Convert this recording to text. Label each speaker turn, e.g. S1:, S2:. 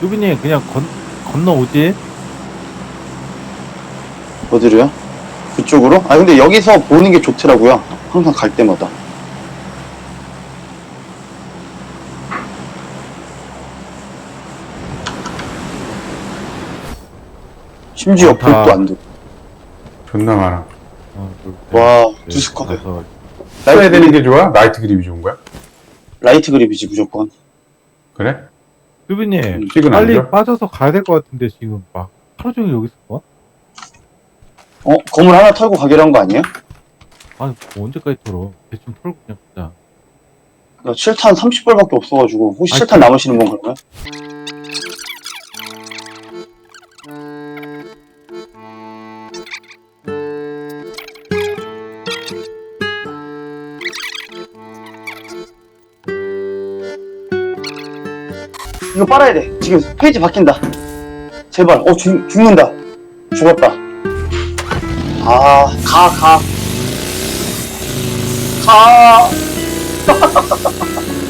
S1: 뚜비님 그냥 건너오지?
S2: 어디로요? 그쪽으로? 아 근데 여기서 보는 게 좋더라고요. 항상 갈 때마다. 심지어
S1: 많다.
S2: 볼도 안 돼.
S3: 존나 많아.
S2: 와, 두 스쿼드.
S3: 써야 되는 게 좋아? 라이트 그립이 좋은 거야?
S2: 라이트 그립이지 무조건.
S3: 그래?
S1: 뚜비님
S3: 픽은 안
S1: 빨리
S3: 줘?
S1: 빠져서 가야 될 것 같은데 지금 막 하루 종일 여기 있을 거야?
S2: 건물 하나 털고 가기로 한 거 아니에요?
S1: 아니 뭐 언제까지 털어? 대충 털고 그냥 가자.
S2: 나 7탄 30발밖에 없어가지고 혹시
S1: 아이,
S2: 7탄 남으시는 분 그러면? 이거 빨아야 돼. 지금 페이지 바뀐다. 제발. 죽는다. 죽었다. 아, 가.